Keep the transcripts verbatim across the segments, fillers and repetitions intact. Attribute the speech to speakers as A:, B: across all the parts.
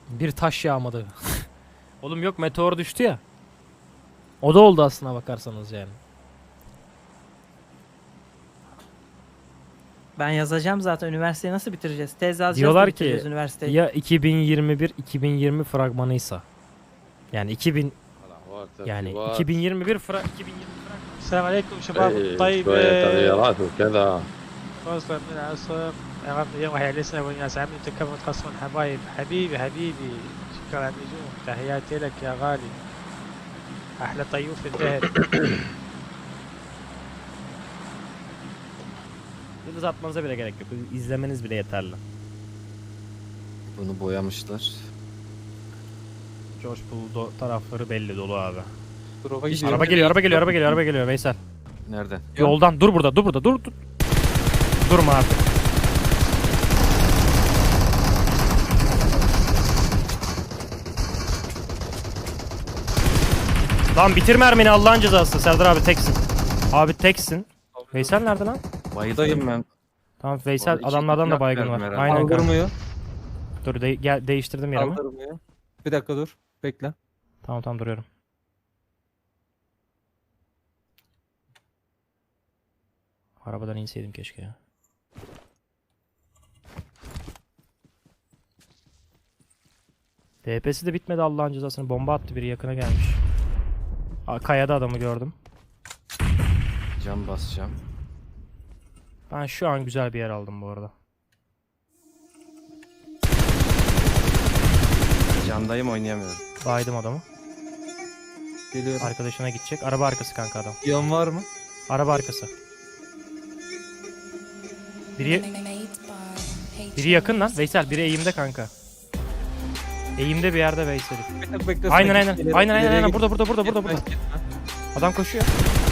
A: Bir taş yağmadı. Oğlum yok, meteor düştü ya. O da oldu aslına bakarsanız yani.
B: Ben yazacağım zaten, üniversiteyi nasıl bitireceğiz? Tez yazacağız
A: Diyorlar
B: da
A: ki
B: bitireceğiz üniversiteyi.
A: ya iki bin yirmi bir iki bin yirmi fragmanıysa. Yani iki bin yani iki bin yirmi bir fra iki bin yirmi fragmanı.
C: السلام عليكم شباب
D: إيه،
C: الطيب.
D: شوية تغييرات وكذا.
C: فاصلة من العصر يا رب يوم هيعلسنا والناس عاملين تكفوا تقصون حبايب حبيبي حبيبي شكرا على النجوم تحياتي لك يا غالي أحلى طيوف في الدهر.
A: Yıldız atmanıza bile gerek yok. İzlemeniz bile yeterli.
E: Bunu boyamışlar.
A: George Pool tarafları belli dolu abi.
E: Drop'a
A: Araba geliyor, araba geliyor, araba geliyor, araba geliyor Veysel.
E: Nereden?
A: Yoldan dur burada, dur burada, dur dur. Durma artık. Lan bitir mermini Allah'ın cezası. Serdar abi teksin. Abi teksin. Veysel nerede lan?
E: Bayıdayım ben.
A: Tamam Veysel,
E: iki-
A: adamlardan
E: iki
A: da
E: nak
A: baygın
E: verdim
A: var.
E: herhalde.
A: Aynen kanka.
F: Kaldırmıyor.
A: Dur de gel değiştirdim yerimi.
F: Kaldırmıyor. Bir dakika dur. Bekle.
A: Tamam tamam duruyorum. Arabadan inseydim keşke ya. D P'si de bitmedi Allah'ın cezasını. Bomba attı, biri yakına gelmiş. Aa, kayada adamı gördüm.
E: Cam basacağım.
A: Ben şu an güzel bir yer aldım bu arada.
E: Camdayım, oynayamıyorum.
A: Baydım adamı.
F: Geliyorum.
A: Arkadaşına gidecek. Araba arkası kanka adam.
F: Yan var mı?
A: Araba arkası. Biri, biri yakın lan. Veysel biri eğimde kanka. Eğimde bir yerde Veysel.
F: Bir dakika bekle.
A: Aynen
F: sana
A: aynen.
F: git, ileri-
A: Aynen aynen
F: ileriye
A: aynen.
F: git.
A: Burada burada burada burada
F: Gitme,
A: burada.
F: gitme.
A: Adam koşuyor.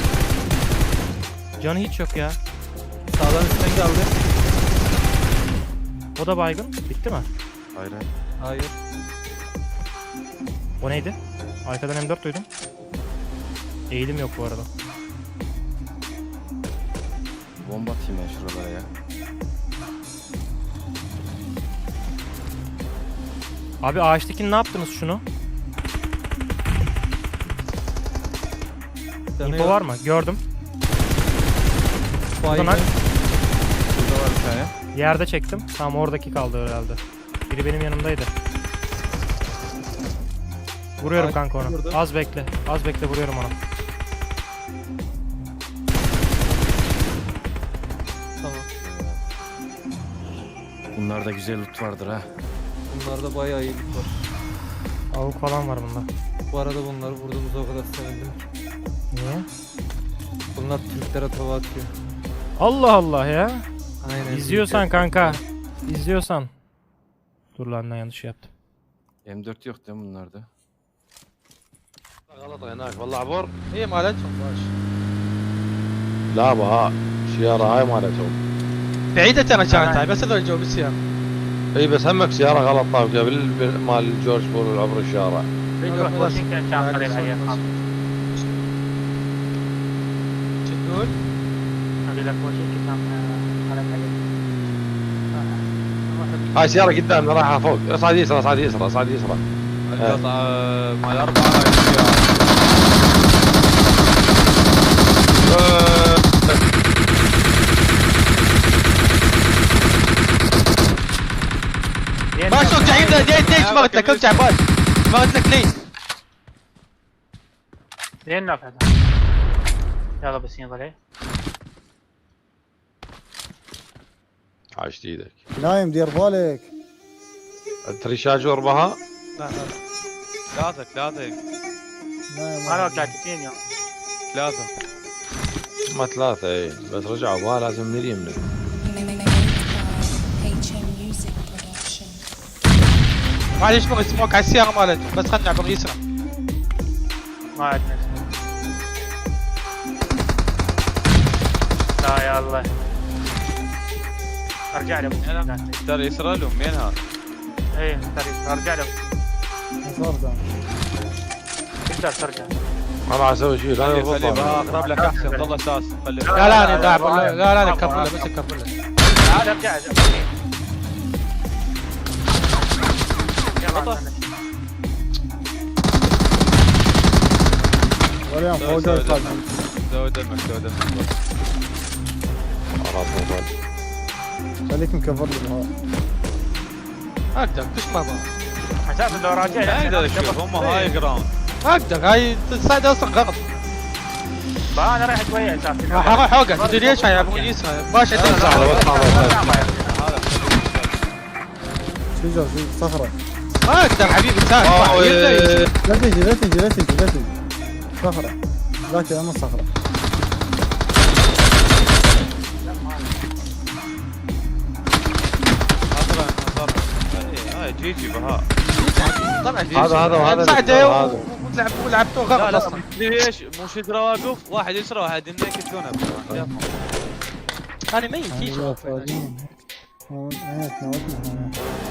A: Canı hiç yok ya.
F: Sağdan üstten geldi.
A: O da baygın. Bitti mi?
E: Hayır.
F: Hayır.
A: O neydi? Arkadan M dört duydum. Eğilim yok bu arada.
E: Bomba atayım ben şuralara ya.
A: Abi ağaçtakini ne yaptınız şunu?
F: Canı
A: İnfo
F: yok.
A: var mı? Gördüm.
F: Baygın.
A: Buradan
E: Şurada var bir tane.
A: yerde çektim. Tamam oradaki kaldı herhalde. Biri benim yanımdaydı. Vuruyorum
F: Ağaç
A: kanka onu.
F: burada.
A: Az bekle. Az bekle, vuruyorum onu.
F: Tamam.
E: Bunlarda güzel loot vardır ha.
F: Bunlarda bayağı iyi loot var.
A: Avuk falan var bunda.
F: Bu arada bunları vurduğumuza o kadar sevindim.
A: Niye?
F: Bunlar Türklere tava atıyor.
A: Allah Allah ya.
F: Aynen.
A: İzliyorsan
F: Türkler-
A: kanka. İzliyorsan. Dur lan, ne yanlış yaptım.
E: M dört yok değil mi bunlarda?
D: غلط هناك والله عبر.
C: هي مالتهم باش
D: لا بها سيارة هاي مالتهم.
C: بعيدة ترى كانت هاي بس هذول جو بالسيارة.
D: اي بس همك سيارة غلط طاف قبل مال جورج بول عبر الشارع.
C: تقول
D: هاي سيارة قدامنا رايحة فوق، اصعد يسرى اصعد يسرى اصعد يسرى.
G: القطع مال أربعة هاي السيارة.
C: ما شوف جايين ليش ليش ما قلت لك ارجع باش ما قلت لك ليش.
H: لين نافع يلا بس يلا ليه
D: عاشت ايدك.
I: نايم دير بالك.
D: تري شاجور بها؟
C: لا لا
G: ثلاثة ثلاثة
I: نايم
H: انا ثلاثين يوم
G: ثلاثة.
D: ما ثلاثة اي بس رجعوا بها لازم من اليمين.
C: معليش بغى يسموك على السيارة مالتهم بس خلنا عبر يسرى.
H: ما عندنا لا يا الله ارجع له
G: ترى يسرى لهم مين هذا؟
H: ايه ارجع له
I: مصردة.
H: تقدر ترجع
D: ما راح اسوي شيء لا
G: خلي
D: يضبط.
G: خلي بقرب لك أحسن ضل أساس خلي.
C: لا لا انا قاعد لا لا لا نكفل له بس نكفل له.
H: تعال ارجع
G: خطأ.
I: وليان فوق
G: زود
I: القلب.
G: دمك زود دمك زود دمك.
D: خلاص موبايل.
I: خليك مكفر لي بهذا.
C: اقدر كش بابا.
H: اساسا لو راجع
G: ما اقدر اشوف هم هاي جراوند.
C: اقدر هاي تساعد اوصل غلط.
H: انا رايح شويه اساسا.
C: راح اروح اوقع تدري ليش هاي ابو يسرى باش عندنا
D: لحظة بس لحظة.
G: هذا
I: شو جو شو صخرة.
C: ما اقدر حبيبي تساعد.
D: آه، إيه.
I: لا تجي لا تجي لا تجي لا تجي. صخرة. ذاك يا صخرة.
G: اصلا اصلا هاي جي جي بهاء.
C: طلع جيش.
D: هذا- هذا- وهذا
C: مساعده
D: هذا.
C: ولعب ولعبته
G: لا
C: غلط
G: لا
C: اصلا.
G: تدري ليش مو شدرا واقف واحد يسرى واحد يمين يكتونه.
C: هذه ما يمكن.
I: هو هيك نودنا.